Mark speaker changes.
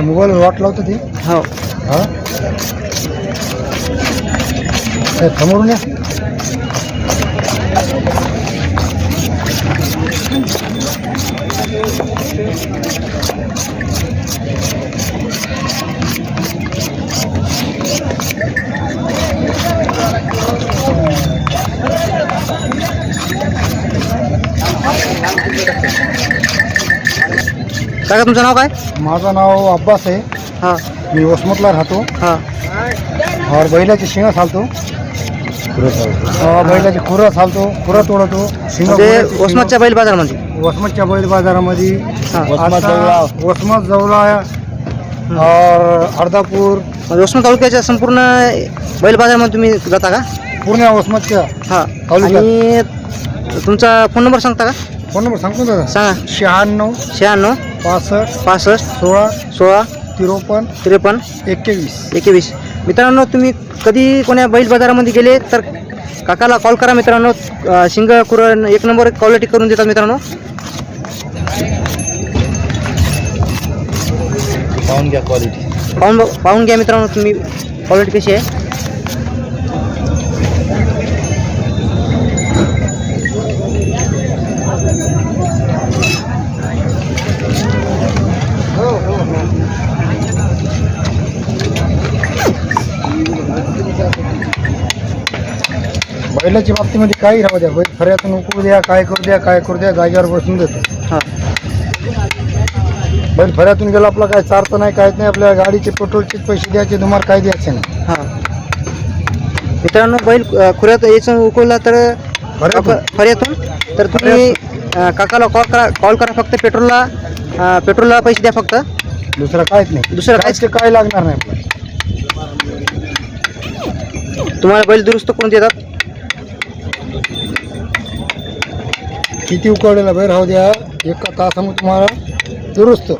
Speaker 1: Mobile वाट लावतो ते.
Speaker 2: हो.
Speaker 1: हा समोरून या.
Speaker 2: काका तुमचं नाव काय?
Speaker 1: माझं नाव अब्बास आहे.
Speaker 2: हां
Speaker 1: मी वसमतला राहतो.
Speaker 2: हां.
Speaker 1: और बैलाची शिंग चालतो. बैलाची खुरं चालतो, खुरं तोडतो.
Speaker 2: म्हणजे वसमतच्या बैल बाजारामध्ये.
Speaker 1: वसमतच्या बैल बाजारामध्ये
Speaker 2: हां.
Speaker 1: वसमत जवला और अर्धापूर
Speaker 2: म्हणजे वसमत तालुक्याच्या संपूर्ण बैल बाजारामध्ये तुम्ही जाता का?
Speaker 1: पूर्ण वसमतच्या
Speaker 2: हां.
Speaker 1: तालुक्यात.
Speaker 2: आणि तुमचा फोन नंबर सांगता का?
Speaker 1: फोन नंबर सांगतो दादा.
Speaker 2: सांगा.
Speaker 1: 96
Speaker 2: 96
Speaker 1: 65
Speaker 2: 65
Speaker 1: 16
Speaker 2: 16
Speaker 1: 53
Speaker 2: 53
Speaker 1: 21.
Speaker 2: 21. मित्रांनो तुम्ही कधी कोण्या बैल बाजारामध्ये गेले तर काकाला कॉल करा मित्रांनो. शिंग कुरण एक नंबर क्वालिटी करून देतात मित्रांनो.
Speaker 1: पाहून घ्या क्वालिटी.
Speaker 2: पाहून घ्या मित्रांनो तुम्ही क्वालिटी कशी आहे.
Speaker 1: बैलाच्या बाबतीमध्ये काही राहू द्या, बैल खऱ्यातून उकळू द्या, काय करू द्या, जागेवर बसून देतो.
Speaker 2: हां.
Speaker 1: बैल फऱ्यातून गेला आपला काय चारत नाही, काहीच नाही. आपल्या गाडीचे पेट्रोलचे पैसे द्यायचे, तुम्हाला काय द्यायचे नाही.
Speaker 2: हां मित्रांनो बैल खुऱ्यात यायचं उकळला तर फऱ्यातून तर तुम्ही काकाला कॉल करा फक्त पेट्रोलला पैसे द्या फक्त.
Speaker 1: दुसरं काहीच नाही.
Speaker 2: दुसरं काहीच
Speaker 1: काय लागणार नाही आपल्याला.
Speaker 2: तुम्हाला बैल दुरुस्त करून देतात.
Speaker 1: किती उकळलेला बैल राहू द्या, एका तासामध्ये तुम्हाला दुरुस्त.